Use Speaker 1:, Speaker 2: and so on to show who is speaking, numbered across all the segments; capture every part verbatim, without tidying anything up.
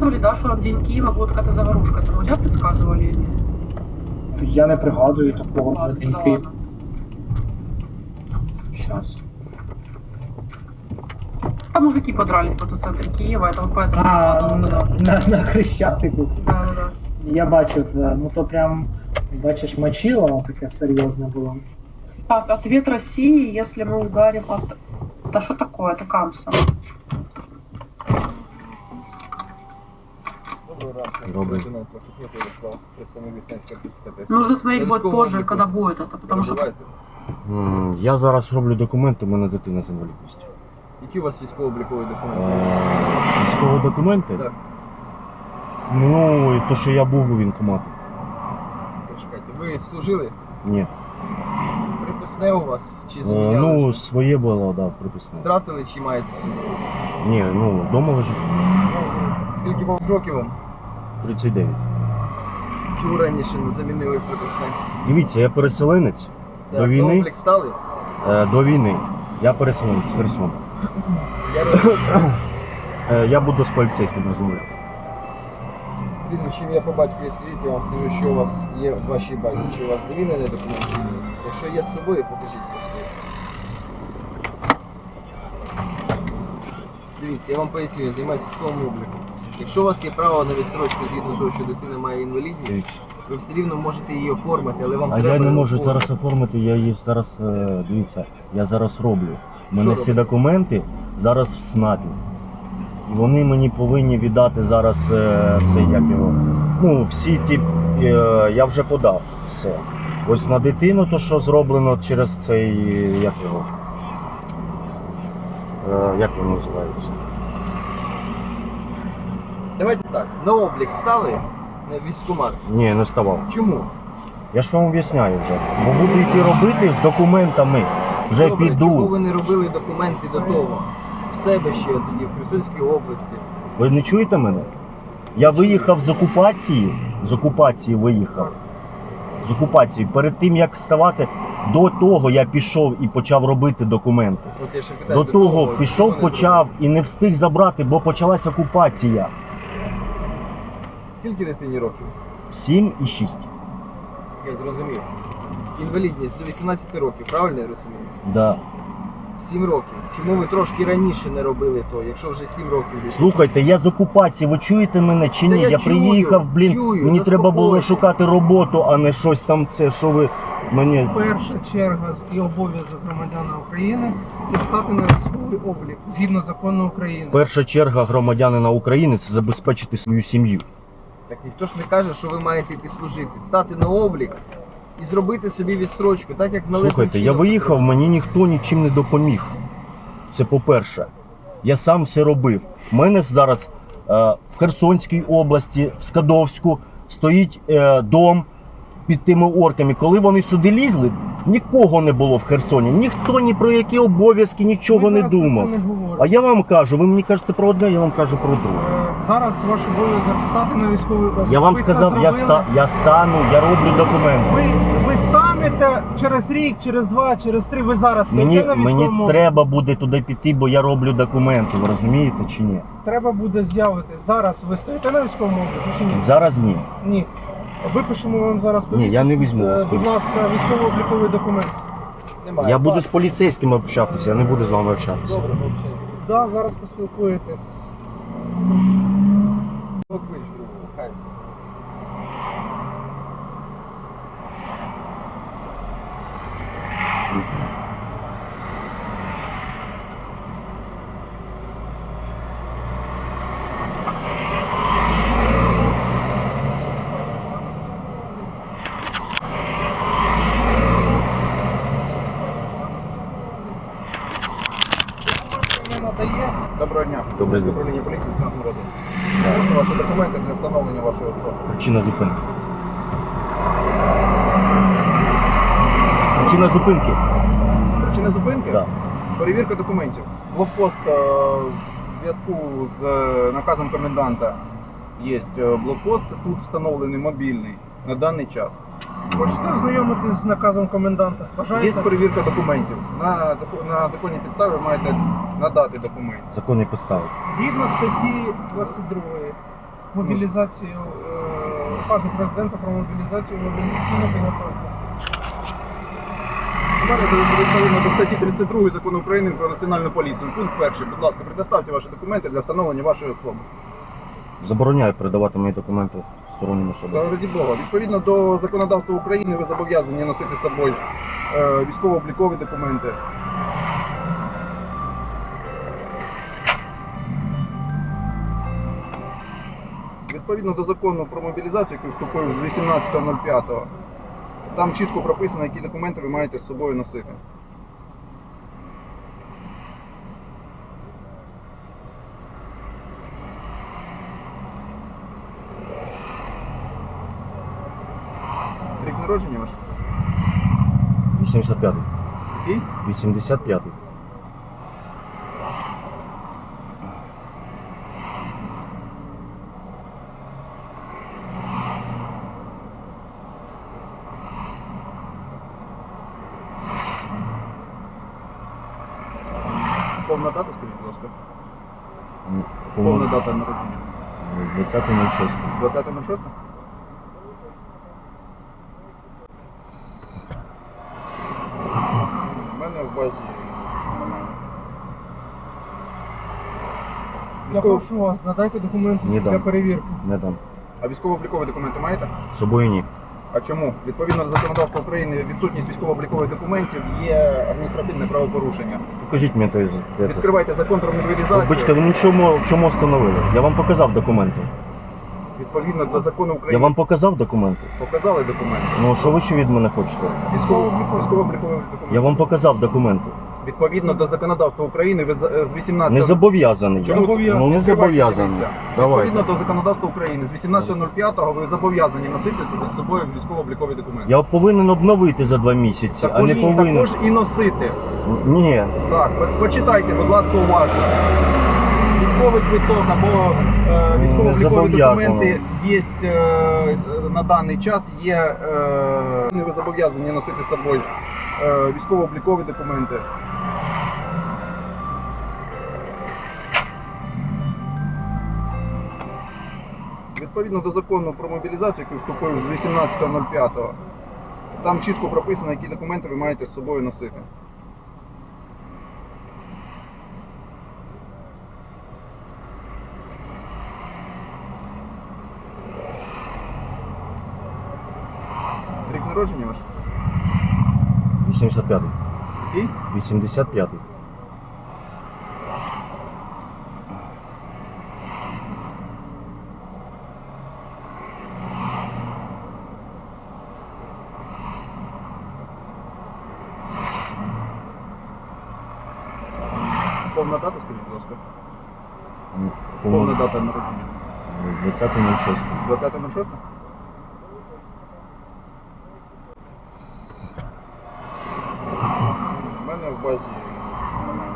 Speaker 1: предсказывали, да, что в день Киева будет какая-то заварушка. Это вы предсказывали или нет?
Speaker 2: Я не пригадую такого на
Speaker 1: Ладно,
Speaker 2: день
Speaker 1: да
Speaker 2: Києва.
Speaker 1: ладно.
Speaker 2: Щас.
Speaker 1: Там мужики подрались по в центре Киева, это вот поэтому...
Speaker 2: А,
Speaker 1: подумала,
Speaker 2: на,
Speaker 1: да.
Speaker 2: на, на Хрещатику.
Speaker 1: Да, да, да.
Speaker 2: Я бачив, да. Ну то прям, бачиш, мочило таке серйозне було.
Speaker 1: Так, ответ России, если мы ударим от... Да что такое, это Камса.
Speaker 3: Добрый.
Speaker 1: Нужно смотреть будет позже, когда будет это, потому что...
Speaker 3: М, Я зараз роблю документи, у мене дитина з інвалідністю.
Speaker 4: Які у вас військово-облікові документи?
Speaker 3: Е, Військові документи?
Speaker 4: Так.
Speaker 3: Ну, і то, що я був у військкоматі.
Speaker 4: Почекайте, ви служили?
Speaker 3: Ні.
Speaker 4: Приписне у вас? Чи
Speaker 3: Е,
Speaker 4: заміняли?
Speaker 3: Ну, своє було, да, приписне.
Speaker 4: Втратили чи маєте собі?
Speaker 3: Ні, ну, вдома лежить.
Speaker 4: Скільки вам років вам?
Speaker 3: тридцять дев'ять.
Speaker 4: Чого раніше не замінили приписне?
Speaker 3: Дивіться, я переселенець.
Speaker 4: Так,
Speaker 3: До
Speaker 4: на
Speaker 3: війни?
Speaker 4: облік стали?
Speaker 3: Е, До війни. Я переселенець з Херсона.
Speaker 4: Я розумію.
Speaker 3: Е, Я буду з поліцейським розмовляти.
Speaker 4: Прізвище ім'я по батькові скажіть, я вам скажу, що у вас є в вашій базі. Чи у вас замінений документ чи ні? Якщо є з собою, покажіть просто. Дивіться, я вам поясню, я займаюся військовим обліком. Якщо у вас є право на відстрочку згідно того, що дитина має інвалідність,
Speaker 3: Дивіться.
Speaker 4: ви все рівно можете її оформити, але вам
Speaker 3: А
Speaker 4: треба...
Speaker 3: я не можу
Speaker 4: оформити.
Speaker 3: зараз оформити, я її зараз, е, дивіться, я зараз роблю. У мене
Speaker 4: Що
Speaker 3: всі
Speaker 4: робите?
Speaker 3: документи зараз в СНАПі. І вони мені повинні віддати зараз е, це, як його, ну, всі ті, е, я вже подав все. Ось на дитину то, що зроблено через цей, як його, е, як він називається?
Speaker 4: Давайте так, на облік стали на військкомат.
Speaker 3: Ні, не ставав.
Speaker 4: Чому?
Speaker 3: Я ж вам об'ясняю вже. Бо буду йти робити з документами. Вже
Speaker 4: Добре,
Speaker 3: піду.
Speaker 4: чому ви не робили документи до того? В себе ще тоді, в Херсонській області.
Speaker 3: Ви не чуєте мене? Я виїхав з окупації, з окупації виїхав. З окупації. Перед тим, як вставати, до того я пішов і почав робити документи.
Speaker 4: От я ще питаю,
Speaker 3: До того
Speaker 4: чому
Speaker 3: пішов,
Speaker 4: не
Speaker 3: почав і не встиг забрати, бо почалась окупація.
Speaker 4: зробили? Скільки дитині років?
Speaker 3: сім і шість.
Speaker 4: Я зрозумів. Інвалідність до вісімнадцяти років, правильно я розумію?
Speaker 3: Да.
Speaker 4: сім років. Чому ви трошки раніше не робили то, якщо вже сім років? дитині?
Speaker 3: Слухайте, я з окупації, ви чуєте мене чи
Speaker 4: Та
Speaker 3: ні?
Speaker 4: я
Speaker 3: Я
Speaker 4: чую,
Speaker 3: приїхав, блін,
Speaker 4: чую,
Speaker 3: мені треба було
Speaker 4: заспокойтесь.
Speaker 3: шукати роботу, а не щось там це, що ви мені...
Speaker 5: Перша черга і обов'язок громадян України – це стати на військовий облік згідно закону України.
Speaker 3: Перша черга громадянина України – це забезпечити свою сім'ю.
Speaker 4: Так ніхто ж не каже, що ви маєте йти служити. Стати на облік і зробити собі відстрочку, так як належним
Speaker 3: Слухайте, я
Speaker 4: чином
Speaker 3: виїхав,
Speaker 4: зробити.
Speaker 3: мені ніхто нічим не допоміг. Це по-перше. Я сам все робив. У мене зараз е, в Херсонській області, в Скадовську, стоїть е, дом під тими орками. Коли вони сюди лізли, нікого не було в Херсоні. Ніхто ні про які обов'язки, нічого
Speaker 5: Ми
Speaker 3: не
Speaker 5: зараз про це
Speaker 3: думав.
Speaker 5: не говоримо.
Speaker 3: А я вам кажу, ви мені кажете про одне, я вам кажу про друге.
Speaker 5: Е, Зараз ваш обов'язок стати на військовий облік.
Speaker 3: Я вам
Speaker 5: Ви це
Speaker 3: сказав, я,
Speaker 5: зробили.
Speaker 3: ста, я стану, я роблю документи.
Speaker 5: Ви, ви станете через рік, через два, через три, ви зараз
Speaker 3: Мені,
Speaker 5: стоїте на військовому
Speaker 3: мені
Speaker 5: обліку.
Speaker 3: треба буде туди піти, бо я роблю документи, ви розумієте чи ні?
Speaker 5: Треба буде з'явитись. Зараз ви стоїте на військовому обліку чи ні?
Speaker 3: Зараз ні.
Speaker 5: Ні. Випишемо вам зараз
Speaker 3: Ні, я не візьму вас.
Speaker 5: Е, Будь ласка, військово-обліковий документ.
Speaker 4: Немає.
Speaker 3: Я буду з
Speaker 4: Так,
Speaker 3: поліцейським общатися, я не буду з вами общатися.
Speaker 4: Добре, мовчайте.
Speaker 5: Да, зараз поспілкуєтесь.
Speaker 4: Поклич другого, хай.
Speaker 5: Не надає.
Speaker 6: Доброго дня.
Speaker 3: Добрий день.
Speaker 6: Управління поліції Київського роду. Можна ваші документи для встановлення вашої особи?
Speaker 3: Причина зупинки. Причина зупинки.
Speaker 6: Причина зупинки?
Speaker 3: Так.
Speaker 6: Перевірка документів. Блокпост е, в зв'язку з е, наказом коменданта є е, блокпост, тут встановлений мобільний на даний час.
Speaker 5: Хочете ознайомитись з наказом коменданта?
Speaker 6: Є
Speaker 5: Бажаєте?
Speaker 6: перевірка документів. На, зако- на законній підставі ви маєте надати документи.
Speaker 3: Законні підстави.
Speaker 5: Згідно статті двадцять другої мобілізацію, е, указу президента про мобілізацію мобілізаційну підготовку.
Speaker 6: У мене відповідно до статті тридцять другої Закону України про національну поліцію. Пункт перший. Будь ласка, предоставте ваші документи для встановлення вашої особи.
Speaker 3: Забороняю передавати мої документи стороннім особам.
Speaker 6: Та раді Бога. Відповідно до законодавства України ви зобов'язані носити з собою е, військово-облікові документи. Відповідно до закону про мобілізацію, який вступив з вісімнадцятого п'ятого, там чітко прописано, які документи ви маєте з собою носити. Рік народження ваш?
Speaker 3: вісімдесят п'ятий.
Speaker 6: Який?
Speaker 3: вісімдесят п'ятий.
Speaker 6: Повна дата, скажіть, будь ласка.
Speaker 3: М,
Speaker 6: Повна дата народження.
Speaker 3: двадцяте шосте.
Speaker 6: двадцяте шосте? У мене в базі немає.
Speaker 5: Я
Speaker 6: Військово-
Speaker 5: прошу вас, надайте документи
Speaker 3: Ні,
Speaker 5: для
Speaker 3: дам.
Speaker 5: перевірки.
Speaker 3: Не дам.
Speaker 6: А військово-облікові документи маєте?
Speaker 3: З собою ні.
Speaker 6: А чому? Відповідно до законодавства України відсутність військово-облікових документів є адміністративне правопорушення.
Speaker 3: Покажіть мені той. це.
Speaker 6: Відкривайте закон про мобілізацію.
Speaker 3: Вибачте, ви нічому чому встановили? Я вам показав документи.
Speaker 6: Відповідно до закону України
Speaker 3: Я вам показав документи.
Speaker 6: показали документи.
Speaker 3: Ну що ви ще від мене хочете?
Speaker 6: Військово- Військово-облікові документи.
Speaker 3: Я вам показав документи.
Speaker 6: Відповідно до законодавства України ви з- з вісімнадцятого...
Speaker 3: Не зобов'язаний. я.
Speaker 6: Чому?
Speaker 3: Ну не
Speaker 6: Відкривайте,
Speaker 3: зобов'язаний.
Speaker 6: дивіться.
Speaker 3: Давайте.
Speaker 6: Відповідно до законодавства України з вісімнадцятого п'ятого ви зобов'язані носити з собою військово-облікові документи.
Speaker 3: Я повинен обновити за два місяці, а
Speaker 6: Також,
Speaker 3: не повинен.
Speaker 6: також і носити.
Speaker 3: Ні.
Speaker 6: Так, по- почитайте, будь ласка, уважно. Військовий квиток або е, військово-облікові
Speaker 3: зобов'язано.
Speaker 6: документи є е, на даний час, є е, ви зобов'язані носити з собою е, військово-облікові документи. Відповідно до закону про мобілізацію, який вступив з вісімнадцятого п'ятого, там чітко прописано, які документи ви маєте з собою носити. Рік народження ваш?
Speaker 3: вісімдесят п'ятий.
Speaker 6: Який?
Speaker 3: вісімдесят п'ятий.
Speaker 6: Повна дата, скажіть, будь ласка.
Speaker 3: М,
Speaker 6: Повна дата народження.
Speaker 3: двадцяте шосте.
Speaker 6: двадцяте шосте? У мене в базі немає.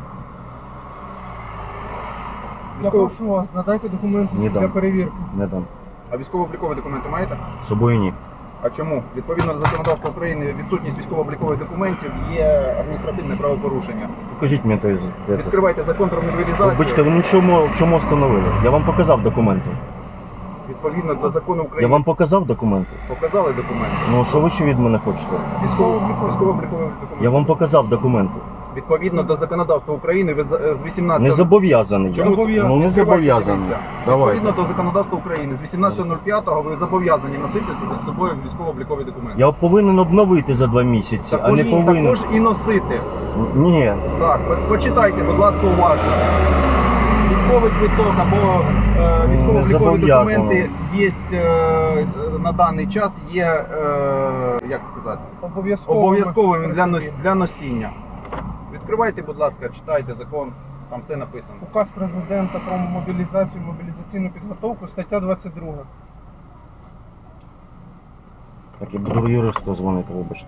Speaker 5: Я
Speaker 6: Військово-
Speaker 5: прошу вас, надайте документи
Speaker 3: Ні,
Speaker 5: для
Speaker 3: дам.
Speaker 5: перевірки.
Speaker 3: Не дам.
Speaker 6: А військово-облікові документи маєте?
Speaker 3: З собою ні.
Speaker 6: А чому? Відповідно до законодавства України відсутність військово-облікових документів є адміністративне правопорушення.
Speaker 3: Покажіть мені той. це.
Speaker 6: Відкривайте закон про мобілізацію.
Speaker 3: Вибачте, ви нічому чому встановили? Я вам показав документи.
Speaker 6: Відповідно до закону України
Speaker 3: Я вам показав документи.
Speaker 6: показали документи.
Speaker 3: Ну що ви ще від мене хочете?
Speaker 6: Військово-облікові військово-облікові документи.
Speaker 3: Я вам показав документи.
Speaker 6: Відповідно до законодавства України ви з з вісімнадцятого...
Speaker 3: Не зобов'язаний. я.
Speaker 6: Чому?
Speaker 3: Ну не
Speaker 6: Відкривайте,
Speaker 3: зобов'язаний.
Speaker 6: дивіться.
Speaker 3: Давайте.
Speaker 6: Відповідно до законодавства України з вісімнадцятого п'ятого ви зобов'язані носити з собою військово-облікові документи.
Speaker 3: Я повинен обновити за два місяці, а
Speaker 6: Також,
Speaker 3: не повинен.
Speaker 6: також і носити.
Speaker 3: Ні.
Speaker 6: Так, по- почитайте, будь ласка, уважно. Військовий квиток або е,
Speaker 3: Не
Speaker 6: військово-облікові
Speaker 3: зобов'язано.
Speaker 6: документи є е, на даний час є, е, як сказати,
Speaker 5: Обов'язково.
Speaker 6: обов'язковим для,
Speaker 5: при
Speaker 6: нос-
Speaker 5: собі.
Speaker 6: для носіння. Відкривайте, будь ласка, читайте закон, там все написано.
Speaker 5: Указ президента про мобілізацію, мобілізаційну підготовку, стаття двадцять друга.
Speaker 3: Так, я буду юристу дзвонити, вибачте.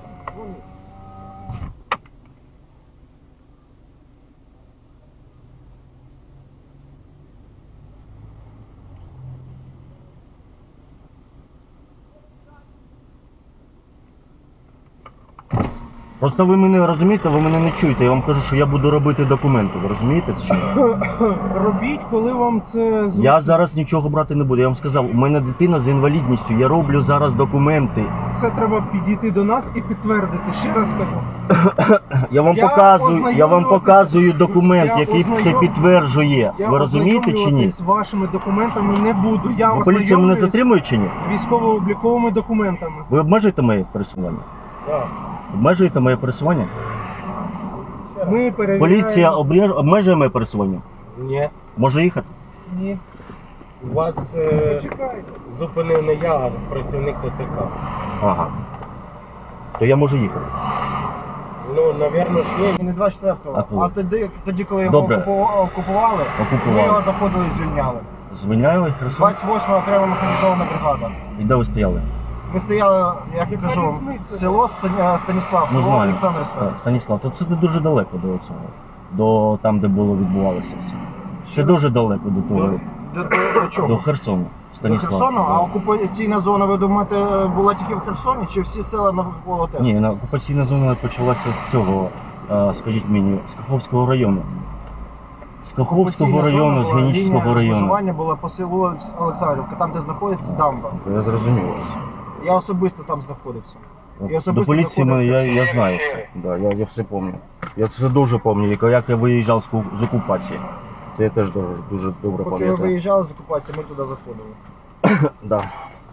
Speaker 3: Просто ви мене розумієте, ви мене не чуєте. Я вам кажу, що я буду робити документи. Ви розумієте це чи ні?
Speaker 5: Робіть, коли вам це зручно.
Speaker 3: Я зараз нічого брати не буду. Я вам сказав, у мене дитина з інвалідністю. Я роблю зараз документи.
Speaker 5: Це треба підійти до нас і підтвердити. Ще раз кажу.
Speaker 3: Я вам
Speaker 5: Я
Speaker 3: показую, я вам
Speaker 5: ознайомлюватися-
Speaker 3: показую документ,
Speaker 5: Я
Speaker 3: який це
Speaker 5: ознайом-
Speaker 3: підтверджує.
Speaker 5: Я
Speaker 3: Ви розумієте чи ні?
Speaker 5: ознайомлюватись з вашими документами не буду. Я
Speaker 3: Ну, поліція мене
Speaker 5: ознайомлююсь
Speaker 3: затримує чи ні?
Speaker 5: військово-обліковими документами.
Speaker 3: Ви обмежуєте моє пересування?
Speaker 5: Так.
Speaker 3: Обмежуєте моє пересування?
Speaker 5: Ми перевіряємо...
Speaker 3: Поліція обмеж- обмежує моє пересування?
Speaker 7: Ні.
Speaker 3: Може їхати?
Speaker 5: Ні.
Speaker 7: Вас е,
Speaker 5: Почекайте.
Speaker 7: зупинив не я, а працівник ТЦК.
Speaker 3: Ага. То я можу їхати.
Speaker 7: Ну, навірно ж ні.
Speaker 4: Не двадцять четвертого,
Speaker 3: А коли?
Speaker 4: а тоді, тоді, коли його
Speaker 3: Добре.
Speaker 4: окупу- окупували,
Speaker 3: Окупували.
Speaker 4: ми його заходили і звільняли.
Speaker 3: Звільняли Херсон?
Speaker 4: двадцять восьма окрема механізована бригада.
Speaker 3: І де ви стояли?
Speaker 4: Ми стояли, як я
Speaker 5: Яка
Speaker 4: кажу,
Speaker 5: різниця?
Speaker 4: село Ста- Станіслав,
Speaker 3: Ну
Speaker 4: село
Speaker 3: знаю.
Speaker 4: Олександр
Speaker 3: Так,
Speaker 4: Свят.
Speaker 3: Станіслав, то це не дуже далеко до цього. До там, де було відбувалося все. Ще дуже далеко до того.
Speaker 4: До, до, до чого?
Speaker 3: До Херсону.
Speaker 4: До
Speaker 3: Станіслав.
Speaker 4: Херсону? А
Speaker 3: Да.
Speaker 4: окупаційна зона, ви думаєте, була тільки в Херсоні, чи всі села навколо теж?
Speaker 3: Ні, на- окупаційна зона почалася з цього, е, скажіть мені, з Каховського району. З Каховського
Speaker 4: Окупаційна
Speaker 3: району,
Speaker 4: зона
Speaker 3: з
Speaker 4: була,
Speaker 3: Генічського
Speaker 4: лінія
Speaker 3: району.
Speaker 4: розмежування була по селу Олександрівка, там, де знаходиться дамба.
Speaker 3: Я зрозумів.
Speaker 4: Я особисто там знаходився. І особисто
Speaker 3: До поліції ми, я,
Speaker 4: заходив.
Speaker 3: я знаю це. Да, я, я все пам'ятаю. Я це дуже пам'ятаю, як я виїжджав з, ку- з окупації. Це я теж дуже, дуже добре
Speaker 4: Поки ви
Speaker 3: пам'ятаю.
Speaker 4: виїжджали з окупації, ми туди заходили.
Speaker 3: Да.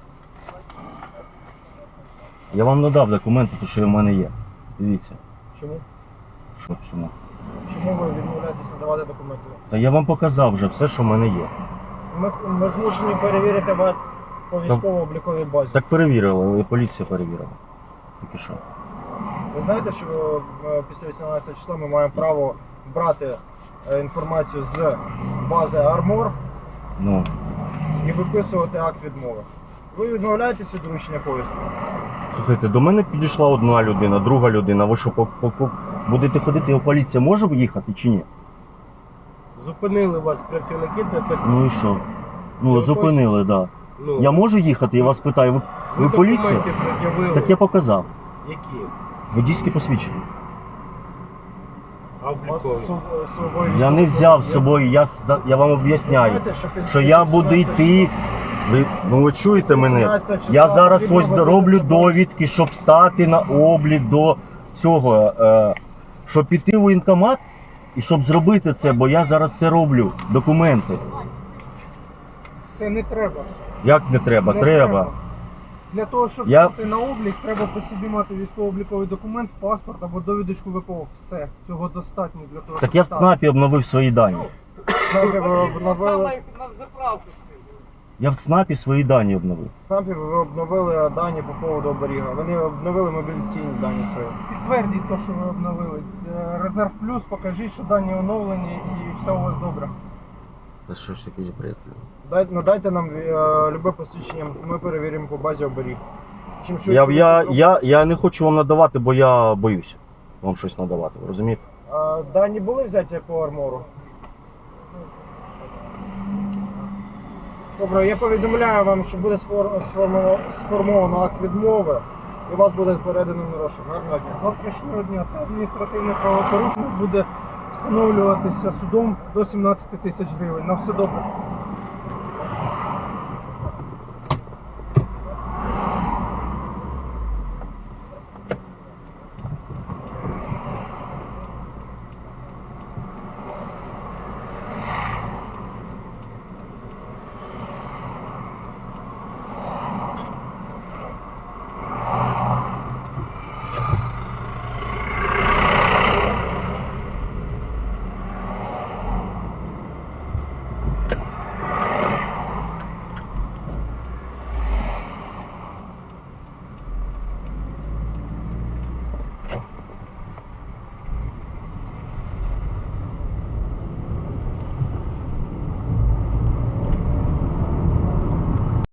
Speaker 3: Я вам надав документи, то що в мене є. Дивіться.
Speaker 4: Чому?
Speaker 3: Що чому?
Speaker 4: Чому ви відмовляєтесь надавати документи?
Speaker 3: Та я вам показав вже все, що в мене є.
Speaker 4: Ми, ми змушені перевірити вас по військово-обліковій базі.
Speaker 3: Так перевірили, і поліція перевірила. Тільки що.
Speaker 4: Ви знаєте, що е, після вісімнадцятого числа ми маємо право брати е, інформацію з бази Армор
Speaker 3: Ну,
Speaker 4: і виписувати акт відмови. Ви відмовляєтесь від доручення повістки?
Speaker 3: слухайте, до мене підійшла одна людина, друга людина. Ви що, по, по, по, будете ходити, а поліція може їхати чи ні?
Speaker 7: Зупинили вас працівники ТЦК.
Speaker 3: Ну і що? Ну,
Speaker 7: Ви
Speaker 3: зупинили, так. Да.
Speaker 7: Ну,
Speaker 3: Я можу їхати, я вас питаю, ви, ви
Speaker 7: ви
Speaker 3: поліція?
Speaker 7: документи пред'явили.
Speaker 3: Так я показав.
Speaker 7: Які?
Speaker 3: Водійське посвідчення.
Speaker 7: А
Speaker 4: У вас
Speaker 7: облікові?
Speaker 4: з собою
Speaker 3: Я не взяв з собою, я, с- я вам об'ясняю,
Speaker 4: знаєте, що після
Speaker 3: що я буду
Speaker 4: вісімнадцятого
Speaker 3: йти. Ви, ну ви чуєте мене?
Speaker 4: вісімнадцятого числа
Speaker 3: Я зараз
Speaker 4: потрібно
Speaker 3: ось
Speaker 4: виходити
Speaker 3: роблю
Speaker 4: з бази.
Speaker 3: довідки, щоб стати на облік до цього, е, щоб піти в воєнкомат і щоб зробити це, бо я зараз це роблю, документи.
Speaker 5: Це не треба.
Speaker 3: Як не треба?
Speaker 5: Не
Speaker 3: Треба.
Speaker 5: Для того, щоб
Speaker 3: Я-
Speaker 5: стати на облік, треба по собі мати військово-обліковий документ, паспорт або довідочку ВПО. Все. Цього достатньо для того,
Speaker 3: Так
Speaker 5: щоб
Speaker 3: я в
Speaker 5: стати.
Speaker 3: ЦНАПі обновив свої дані.
Speaker 4: СНАПі ви обновили,
Speaker 3: Я в ЦНАПі свої дані обновив.
Speaker 4: СНАПі ви обновили дані по поводу оберіга. Вони обновили мобілізаційні дані свої.
Speaker 5: Підтвердіть те, що ви обновили. Е, Резерв плюс, покажіть, що дані оновлені і все у вас добре.
Speaker 3: Та що ж таке приятель?
Speaker 4: Дайте, надайте нам е, любе посвідчення, ми перевіримо по базі оберіг. Чим швидше
Speaker 3: Я,
Speaker 4: ви
Speaker 3: я,
Speaker 4: це
Speaker 3: я, я не хочу вам надавати, бо я боюся вам щось надавати, ви розумієте?
Speaker 4: А, дані були взяті по армору? Добре, я повідомляю вам, що буде сфор- сформовано, сформовано акт відмови і вас буде передано на розшук. Гарного дня.
Speaker 5: З завтрашнього дня це адміністративне правопорушення буде встановлюватися судом до сімнадцяти тисяч гривень. На все добре.